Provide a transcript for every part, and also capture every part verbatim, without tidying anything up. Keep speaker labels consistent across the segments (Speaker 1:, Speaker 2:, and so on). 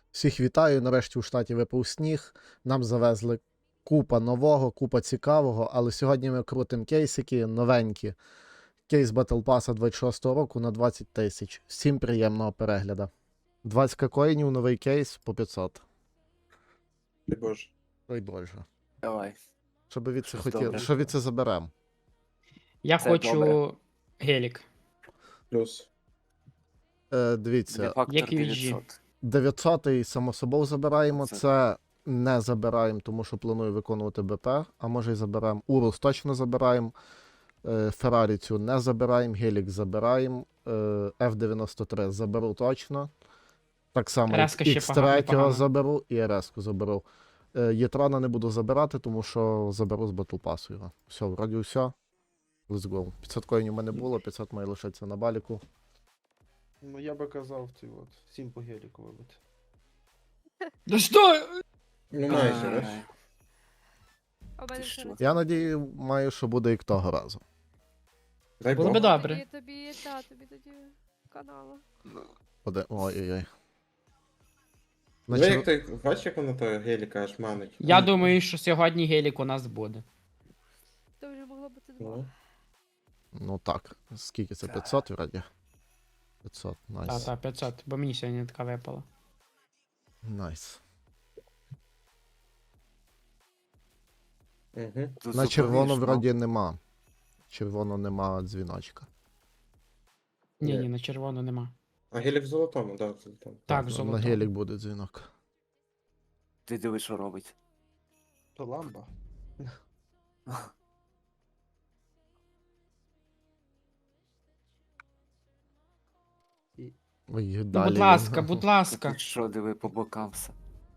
Speaker 1: Всіх вітаю. Нарешті у штаті випав сніг. Нам завезли купа нового, купа цікавого, але сьогодні ми крутимо кейсики новенькі. Кейс Battle Pass двадцять шостого року на двадцять тисяч. Всім приємного перегляду. двадцять коїнів, новий кейс по п'ятсот.
Speaker 2: Дай Боже.
Speaker 1: Ой боже.
Speaker 3: Давай.
Speaker 1: Що би від це
Speaker 3: Щось
Speaker 1: хотіли?
Speaker 3: добре.
Speaker 1: Що від це заберемо?
Speaker 4: Я
Speaker 3: Це
Speaker 4: хочу
Speaker 3: добре.
Speaker 4: гелік.
Speaker 2: Плюс.
Speaker 1: Е, дивіться,
Speaker 3: Де фактор
Speaker 4: Як U G.
Speaker 3: дев'ятсот.
Speaker 1: дев'ятсотий само собою забираємо.
Speaker 3: Це-
Speaker 1: Це не забираємо, тому що планую виконувати БП, а може й заберемо. Урус точно забираємо. Е, Феррарі цю не забираємо, Гелік забираємо. Е, Ф дев'яносто три заберу точно. Так само
Speaker 4: Реска ще
Speaker 1: Х три
Speaker 4: погано.
Speaker 1: заберу і РС-ку заберу. Е, Єтрона не буду забирати, тому що заберу з Battle Pass його. Все, вроді все. Let's go. п'ятсот коїнів у мене було, п'ятсот має лишитися на баліку.
Speaker 2: Ну я би казав, ти от, всім по геліку вибити.
Speaker 4: Да що?
Speaker 2: Ну майже,
Speaker 3: Ай.
Speaker 2: бач.
Speaker 5: А в мене
Speaker 3: Ти
Speaker 5: ще
Speaker 3: що?
Speaker 5: не
Speaker 1: Я надію, маю, що буде як того разу.
Speaker 2: Дай
Speaker 4: Було
Speaker 2: Бог.
Speaker 4: би добре.
Speaker 5: Тобі, тобі, та, тобі тоді канала.
Speaker 1: Буде... Ой-ой-ой.
Speaker 2: Ну
Speaker 1: Наче-
Speaker 2: як ти, бачиш, як воно то геліка аж манить?
Speaker 4: Я думаю, що сьогодні гелік у нас буде.
Speaker 5: То вже могло бути два.
Speaker 2: Ну,
Speaker 1: Ну так, скільки це? п'ятсот вроді? п'ятсот, найс.
Speaker 4: Та, та, п'ятсот, бо мені сьогодні така випала.
Speaker 1: Найс.
Speaker 2: угу.
Speaker 3: Тут
Speaker 1: На червоно
Speaker 3: заповіш, ну.
Speaker 1: вроді нема. Червоно нема дзвіночка.
Speaker 4: Ні,
Speaker 2: Ні.
Speaker 4: ні, на червоно нема.
Speaker 2: А гелік в золотому, да, в золотому.
Speaker 4: Так,
Speaker 1: на-
Speaker 4: золото.
Speaker 1: На гелік буде дзвінок.
Speaker 3: Ти дивись, що робить.
Speaker 2: То ламба.
Speaker 1: Ой,
Speaker 4: Ну,
Speaker 1: далі.
Speaker 4: будь ласка,
Speaker 1: він.
Speaker 4: будь ласка.
Speaker 3: Ти що, диви по бокам все.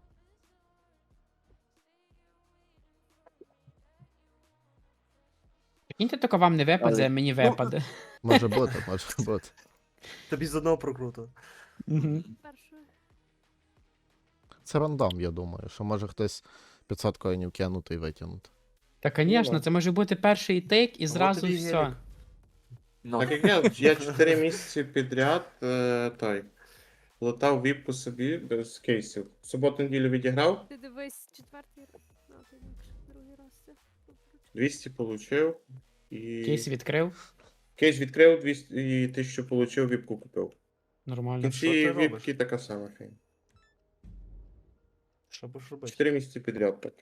Speaker 4: Прикиньте, тільки вам не випаде,
Speaker 3: Але-
Speaker 4: а мені випаде.
Speaker 1: Може бути, може бути.
Speaker 6: Тобі з одного прокруту.
Speaker 4: Мгм.
Speaker 5: Першою.
Speaker 1: Це рандом, я думаю, що може хтось п'ятсот коїнів кинути і витягнути.
Speaker 4: Та, звісно, це може бути перший тейк і
Speaker 6: Вот
Speaker 4: зразу
Speaker 6: тобі
Speaker 4: все.
Speaker 6: гелік.
Speaker 3: Ну,
Speaker 2: Так як я, я чотири місяці підряд е, той, лутав віпку собі без кейсів. В суботу-неділю відіграв,
Speaker 5: Ти дивись четвертий раз. Ну, ти інакше, другий раз це.
Speaker 2: двісті получив. І...
Speaker 4: Кейс відкрив.
Speaker 2: Кейс відкрив, двісті і тисячу получив, віпку купив. В
Speaker 4: Нормально.
Speaker 2: кінці
Speaker 6: що ти робиш?
Speaker 2: віпки така сама фігня.
Speaker 6: Що будеш робити?
Speaker 2: Чотири місяці підряд так.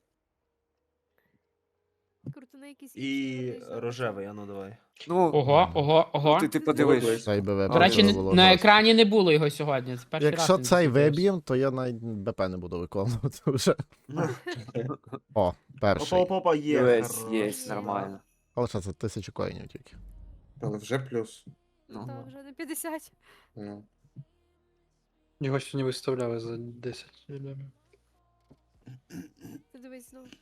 Speaker 5: Круто на якісь
Speaker 6: І
Speaker 5: інші вони
Speaker 6: рожевий, а ну давай.
Speaker 3: ну,
Speaker 4: Ого, ого, ого.
Speaker 3: ти, ти подивись.
Speaker 2: Молодець.
Speaker 1: Цей би
Speaker 4: До
Speaker 1: випав,
Speaker 4: речі,
Speaker 1: це
Speaker 4: не-
Speaker 1: було
Speaker 4: на
Speaker 1: жорстко.
Speaker 4: екрані не було його сьогодні. Це перший
Speaker 1: Якщо
Speaker 4: раз він
Speaker 1: цей
Speaker 4: засвітився.
Speaker 1: виб'єм, то я навіть БП не буду виконувати вже. О, перший.
Speaker 6: Опа-опа, є.
Speaker 3: Дивись,
Speaker 6: хорош.
Speaker 3: є, нормально.
Speaker 1: Але що це тисячу коїнів тільки.
Speaker 2: Але вже плюс.
Speaker 3: Ну,
Speaker 5: Та, вже не п'ятдесят.
Speaker 2: Ну.
Speaker 7: Його сьогодні виставляли за десять лямів.
Speaker 5: Ти дивись знову.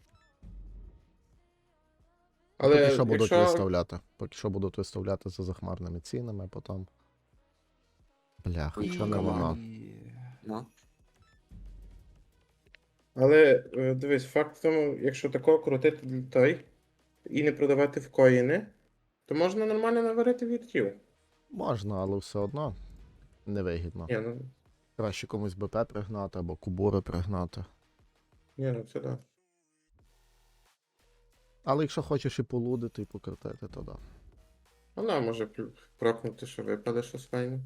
Speaker 2: Але
Speaker 1: Поки що будуть
Speaker 2: якщо...
Speaker 1: виставляти. Поки що будуть виставляти за захмарними цінами, а потім. Бляха,
Speaker 3: І-
Speaker 1: що не воно.
Speaker 3: ну.
Speaker 2: Але е, дивись, факт в тому, якщо такого крутити для той і не продавати в коїни, то можна нормально наварити віртів.
Speaker 1: Можна, але все одно невигідно.
Speaker 2: Ні, ну,
Speaker 1: Краще комусь БП пригнати або кубури пригнати.
Speaker 2: ні, ну це да.
Speaker 1: Але якщо хочеш і полудити, і покрутити, то да.
Speaker 2: Вона може плю- прокнути, що випаде щось файне.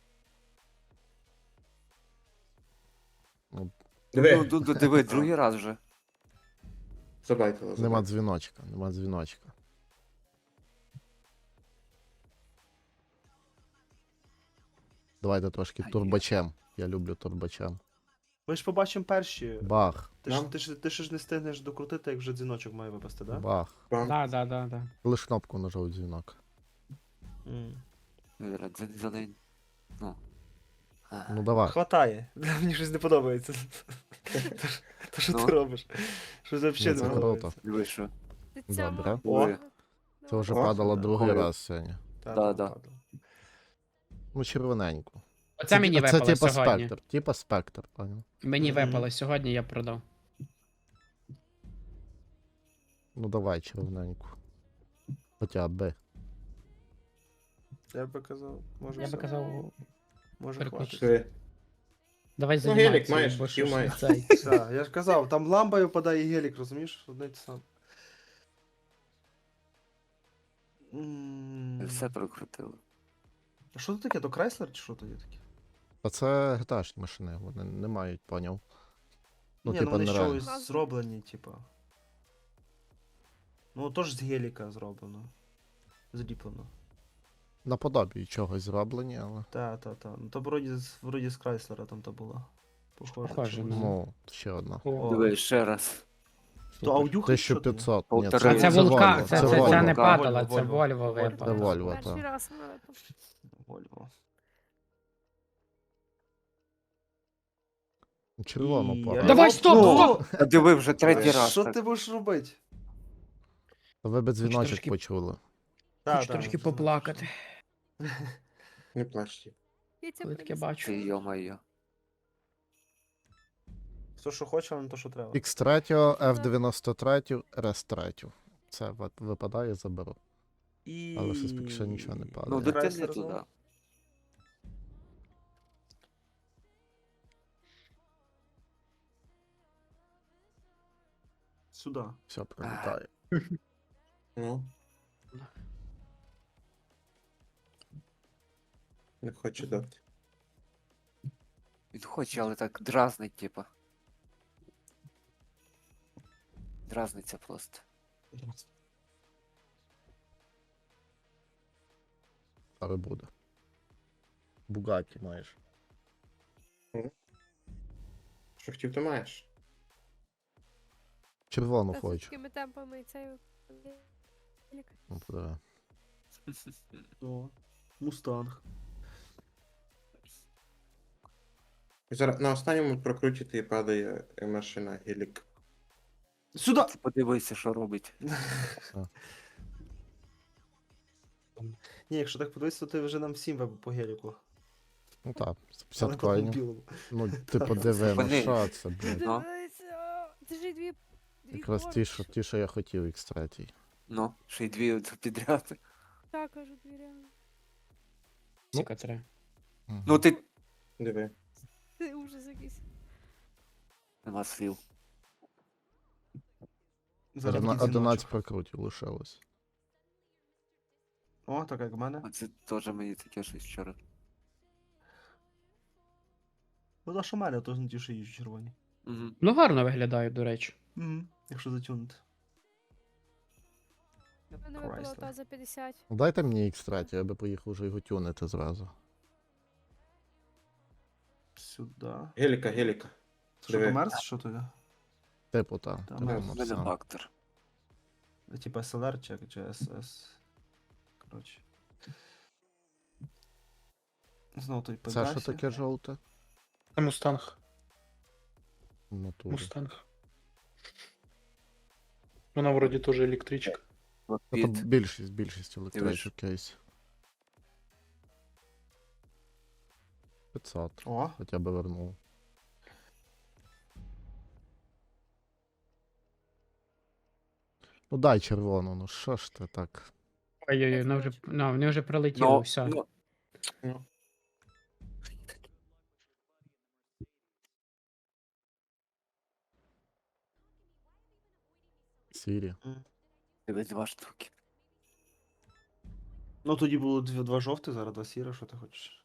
Speaker 1: Ну,
Speaker 2: Диви,
Speaker 3: Ну, ду- ду- диви, другий раз вже.
Speaker 2: забайтила,
Speaker 1: Нема
Speaker 2: забайтила.
Speaker 1: дзвіночка, нема дзвіночка. Давайте трошки
Speaker 3: Ай,
Speaker 1: турбачем. Я люблю турбачем.
Speaker 6: Ми ж побачимо перші.
Speaker 1: Бах,
Speaker 6: Ти ж,
Speaker 2: Нам?
Speaker 6: ти, ж, ти ж не встигнеш докрутити, як вже дзвіночок має випасти, так? Да?
Speaker 1: бах.
Speaker 2: Бам.
Speaker 4: Да, да, да, да.
Speaker 1: Лиш кнопку нажав дзвінок.
Speaker 6: М.
Speaker 3: Ну, зараз за- за день. Ну. А,
Speaker 1: Ну давай.
Speaker 6: Хватає. Мені щось не подобається. То, що- То що
Speaker 3: Ну.
Speaker 6: ти робиш? Щось взагалі
Speaker 1: Ну,
Speaker 6: не
Speaker 1: це круто.
Speaker 6: подобається.
Speaker 3: диви, що.
Speaker 5: Ти ця
Speaker 1: Добре.
Speaker 5: ма-
Speaker 6: О.
Speaker 3: Диви.
Speaker 1: Це вже
Speaker 2: О,
Speaker 1: падало
Speaker 6: да.
Speaker 1: другий
Speaker 3: Ой.
Speaker 1: раз сьогодні.
Speaker 6: Та,
Speaker 3: Да,
Speaker 6: та,
Speaker 3: да.
Speaker 6: та, та.
Speaker 1: Ну, червоненьку.
Speaker 4: Оце мені
Speaker 1: це
Speaker 4: випало
Speaker 1: типа
Speaker 4: сьогодні.
Speaker 1: спектр. Типа спектр, поняв.
Speaker 4: Мені
Speaker 6: Мгм.
Speaker 4: випало сьогодні, я продав.
Speaker 1: Ну давай червоненьку. Хоча би.
Speaker 6: Я би казав, може
Speaker 4: Я би
Speaker 6: все.
Speaker 4: казав,
Speaker 6: Може
Speaker 4: переключити.
Speaker 6: хватить.
Speaker 2: Пішли.
Speaker 4: Давай
Speaker 2: Ну,
Speaker 4: займайся.
Speaker 2: гелік маєш,
Speaker 4: бо
Speaker 2: хотів
Speaker 4: що ж
Speaker 2: маєш.
Speaker 4: цей.
Speaker 6: Так, я ж казав, там ламба випадає і гелік, розумієш? Одне й те саме. М,
Speaker 3: Все прокрутили.
Speaker 6: А що це таке? То Крайслер чи що то є таке?
Speaker 1: А це гташні машини, вони не мають, поняв. Ну,
Speaker 6: Ні,
Speaker 1: типа,
Speaker 6: ну вони
Speaker 1: нереально.
Speaker 6: щось зроблені, типа. Ну, теж з геліка зроблено. Зліплено.
Speaker 1: Наподобі чогось зроблені, але.
Speaker 6: Та, та, та. Ну то вроді, з- вроді з Крайслера там то було. Похоже.
Speaker 4: Похоже,
Speaker 6: чимось.
Speaker 4: ну.
Speaker 1: Ну, ще одна.
Speaker 6: О,
Speaker 3: Диви, ще раз.
Speaker 6: То аудюха чи що то є?
Speaker 1: тисяча п'ятсот. Ні,
Speaker 3: Полтори.
Speaker 4: А
Speaker 1: це,
Speaker 4: це
Speaker 1: це
Speaker 4: вулкан,
Speaker 1: Volvo,
Speaker 4: це, це,
Speaker 1: Volvo.
Speaker 4: це не
Speaker 3: Volvo.
Speaker 4: падала,
Speaker 6: Volvo,
Speaker 4: це
Speaker 6: Volvo.
Speaker 4: Вольво
Speaker 6: Volvo.
Speaker 1: Це
Speaker 4: випало.
Speaker 1: Volvo,
Speaker 5: Перший
Speaker 1: так.
Speaker 5: раз вона випав.
Speaker 6: Вольво.
Speaker 1: Червоно
Speaker 6: І
Speaker 1: пора.
Speaker 6: я-
Speaker 4: Давай, стоп,
Speaker 6: Ну,
Speaker 3: А диви вже третій раз.
Speaker 6: Що
Speaker 3: так.
Speaker 6: ти будеш робити?
Speaker 1: Ви би дзвіночок
Speaker 4: трошки-
Speaker 1: почули.
Speaker 6: Та,
Speaker 4: Хочу
Speaker 6: та,
Speaker 4: трошки
Speaker 6: вже
Speaker 4: поплакати.
Speaker 2: Не плачте.
Speaker 5: Я це
Speaker 4: Коли таке
Speaker 5: принесла.
Speaker 4: бачу.
Speaker 3: Ти, йо-моє.
Speaker 6: Хто що хоче, але не то, що треба.
Speaker 1: ікс три, еф дев'яносто три, ар ес три. Це ви- випадає, заберу.
Speaker 6: І...
Speaker 1: Але щось поки що нічого не падає.
Speaker 3: Ну, дитини
Speaker 6: Крайслер
Speaker 3: туди.
Speaker 6: знову? Сюди.
Speaker 1: Все прилітає.
Speaker 2: Ну. Не хочу дати.
Speaker 3: Він хоче, але так дразнить, типа. Дразниться просто.
Speaker 1: Але буде. Бугаті маєш.
Speaker 2: Що хотів, то маєш.
Speaker 1: Червону
Speaker 5: Та з
Speaker 1: хочу.
Speaker 5: такими темпами і цей...
Speaker 1: Ну, подиви.
Speaker 6: О, Мустанг.
Speaker 2: Зараз на останньому прокрутити і падає машина гелік.
Speaker 6: Сюди!
Speaker 3: Ти подивися, що робить.
Speaker 6: Ні, якщо так подивитися, то ти вже нам всім веб по геліку.
Speaker 1: Ну так,
Speaker 6: Але
Speaker 1: п'ятдесят
Speaker 6: по
Speaker 1: коїнів.
Speaker 6: білому.
Speaker 1: Ну, ти подиви, ну
Speaker 3: Вони-
Speaker 1: що це, блядь.
Speaker 3: Ну.
Speaker 5: Дивися! Це ж дві... дві
Speaker 1: Якраз ті,
Speaker 5: поруч.
Speaker 1: що, ті, що я хотів, ікс три.
Speaker 3: Ну, ще й дві підряд.
Speaker 5: Так, кажу, дві реально.
Speaker 4: Ціка три.
Speaker 3: Ну ти.
Speaker 2: Диви.
Speaker 5: Це ужас якийсь.
Speaker 3: Нема слів.
Speaker 6: Зараз
Speaker 1: Одна-
Speaker 6: такий
Speaker 1: одинадцять
Speaker 6: дзвіночок.
Speaker 1: прокрутів лишилось.
Speaker 6: О, так як в мене.
Speaker 3: А це теж мені таке щось вчора.
Speaker 6: Ну, та що в мене, то не ті, що їжджу червоні.
Speaker 3: Угу.
Speaker 4: Ну гарно виглядає, до речі.
Speaker 6: Угу. Якщо затюнути.
Speaker 5: У мене випало
Speaker 6: Chrysler.
Speaker 5: та за п'ятдесят.
Speaker 1: Ну, дайте мені ікс три, я би поїхав вже його тюнити зразу.
Speaker 6: Сюди.
Speaker 2: Геліка, геліка.
Speaker 6: Що
Speaker 2: Диви.
Speaker 6: то Мерс, що то є?
Speaker 1: Типу, та.
Speaker 6: Та,
Speaker 1: типу,
Speaker 6: ну,
Speaker 3: У
Speaker 1: ну,
Speaker 3: мене
Speaker 1: все.
Speaker 3: фактор.
Speaker 6: Типа ес ел ар чи, чи ес ес. Коротше. Знову той
Speaker 1: Це що
Speaker 6: Пегасі.
Speaker 1: таке жовте?
Speaker 7: Це Мустанг.
Speaker 1: В натурі.
Speaker 7: Мустанг. Вона вроді теж електричка.
Speaker 1: Це
Speaker 3: Лапіт.
Speaker 1: більшість, більшість електричок кейс. п'ятсот.
Speaker 6: О,
Speaker 1: Хоча б вернув. Ну дай червону, ну що ж ти так.
Speaker 4: Ой-ой-ой, ну вже, ну, вони вже прилетіли,
Speaker 3: Ну,
Speaker 4: все.
Speaker 3: ну,
Speaker 2: Ну.
Speaker 1: Сірі.
Speaker 3: дивись два штуки.
Speaker 6: ну тоді було дві, два жовті, зараз два сіра, що ти хочеш?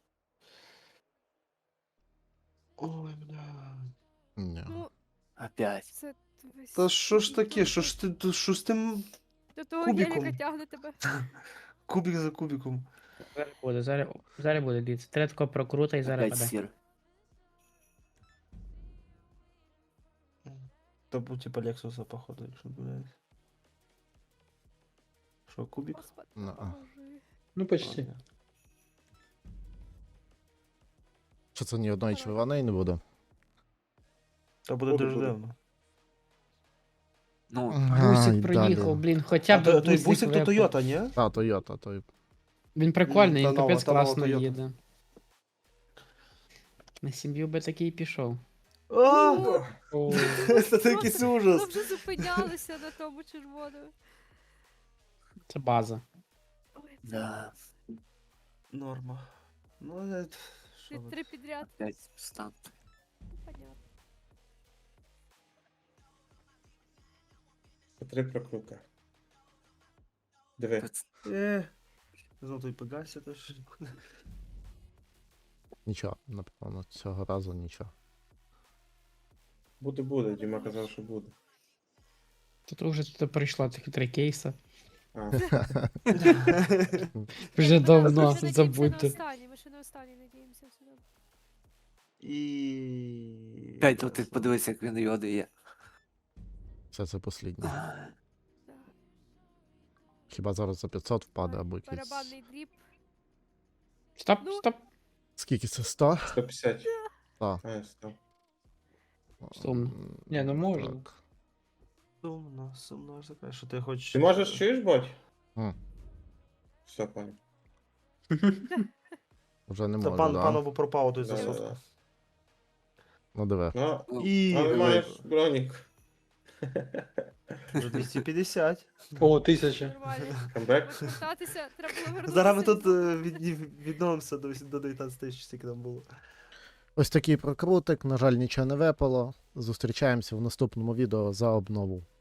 Speaker 6: Ой, бля.
Speaker 1: Ні.
Speaker 5: Ну,
Speaker 3: Опять.
Speaker 5: це... дивись.
Speaker 6: Та що ж таке? Що ж ти то- що з тим
Speaker 5: До того
Speaker 6: кубиком?
Speaker 5: геліка тягне тебе.
Speaker 6: кубик за кубиком?
Speaker 4: Зараз буде, зараз, зараз буде, дивіться. Треба тако прокрута і зараз
Speaker 3: Опять
Speaker 4: паде.
Speaker 3: сір.
Speaker 6: То був типа Лексуса, походу, якщо не помиляюсь. Що, кубик?
Speaker 5: Господи,
Speaker 1: Ну, а.
Speaker 5: поможи.
Speaker 7: Ну, почти.
Speaker 6: Ладно.
Speaker 1: Що це ні одної червоної не буде?
Speaker 6: Та буде
Speaker 2: Буде,
Speaker 6: дуже
Speaker 2: буде.
Speaker 6: дивно.
Speaker 3: Ну,
Speaker 4: Бусик
Speaker 1: Ай,
Speaker 4: проїхав,
Speaker 1: далі.
Speaker 4: блін, хоча
Speaker 6: А
Speaker 4: б
Speaker 6: то, той
Speaker 4: бусик
Speaker 6: бусик то
Speaker 4: випав.
Speaker 6: Тойота, ні?
Speaker 1: А, Тойота, той.
Speaker 4: Він прикольний,
Speaker 6: Та
Speaker 4: він
Speaker 6: нова,
Speaker 4: капець
Speaker 6: та нова
Speaker 4: класно
Speaker 6: Toyota.
Speaker 4: їде. На сім'ю би такий пішов.
Speaker 6: А!
Speaker 4: О,
Speaker 6: Це такий
Speaker 5: Ми
Speaker 6: ужас.
Speaker 5: вже зупинялися на тому червоному.
Speaker 4: це база.
Speaker 5: Ой,
Speaker 3: да.
Speaker 6: Норма. Ну, е, що
Speaker 5: ти
Speaker 6: ви.
Speaker 5: три підряд.
Speaker 3: Опять стан.
Speaker 2: По три прокрута. Диви.
Speaker 3: Тут
Speaker 6: Е, знову той пегасся, то що.
Speaker 1: Нічого, напевно, цього разу нічого.
Speaker 2: Буде, буде. Діма казав, що буде.
Speaker 4: Тут вже тут прийшло цих три кейса.
Speaker 2: А,
Speaker 4: Вже
Speaker 5: Ми
Speaker 4: давно,
Speaker 5: надіємося на
Speaker 4: забудьте.
Speaker 5: останній, ми ще на останній надіємося. все добре.
Speaker 6: І...
Speaker 3: п'ять, то ти подивися, як він його дає.
Speaker 1: Все це посліднє.
Speaker 5: Да.
Speaker 1: Хіба зараз за п'ятсот впаде або якийсь.
Speaker 5: Барабанний дріб.
Speaker 4: Стоп,
Speaker 5: Ну.
Speaker 4: стоп.
Speaker 1: Скільки це? сто?
Speaker 2: сто п'ятдесят.
Speaker 1: Так.
Speaker 2: А, сто.
Speaker 4: Сумно.
Speaker 1: М,
Speaker 7: Ні, ну можна.
Speaker 1: так.
Speaker 6: Сумно, сумно, аж таке, що ти хочеш...
Speaker 2: Ти можеш чуєш, Бодь?
Speaker 1: М.
Speaker 2: Все, пані.
Speaker 1: Вже не
Speaker 6: Та
Speaker 1: можу,
Speaker 6: пан,
Speaker 1: да?
Speaker 6: панову пропав той
Speaker 2: Да, да,
Speaker 6: засовку.
Speaker 2: да.
Speaker 1: Ну диви.
Speaker 2: Ну,
Speaker 3: Ну,
Speaker 6: І...
Speaker 2: але маєш бронік.
Speaker 6: Вже двісті п'ятдесят.
Speaker 7: О, тисяча.
Speaker 5: Нормально.
Speaker 2: Камбек.
Speaker 5: Вертатися, треба було вернутися.
Speaker 6: Зараз ми тут
Speaker 5: і-
Speaker 6: е, від, відновимося до, до дев'ятнадцять тисяч, скільки там було.
Speaker 1: Ось такий прокрутик. На жаль, нічого не випало. Зустрічаємося в наступному відео за обнову.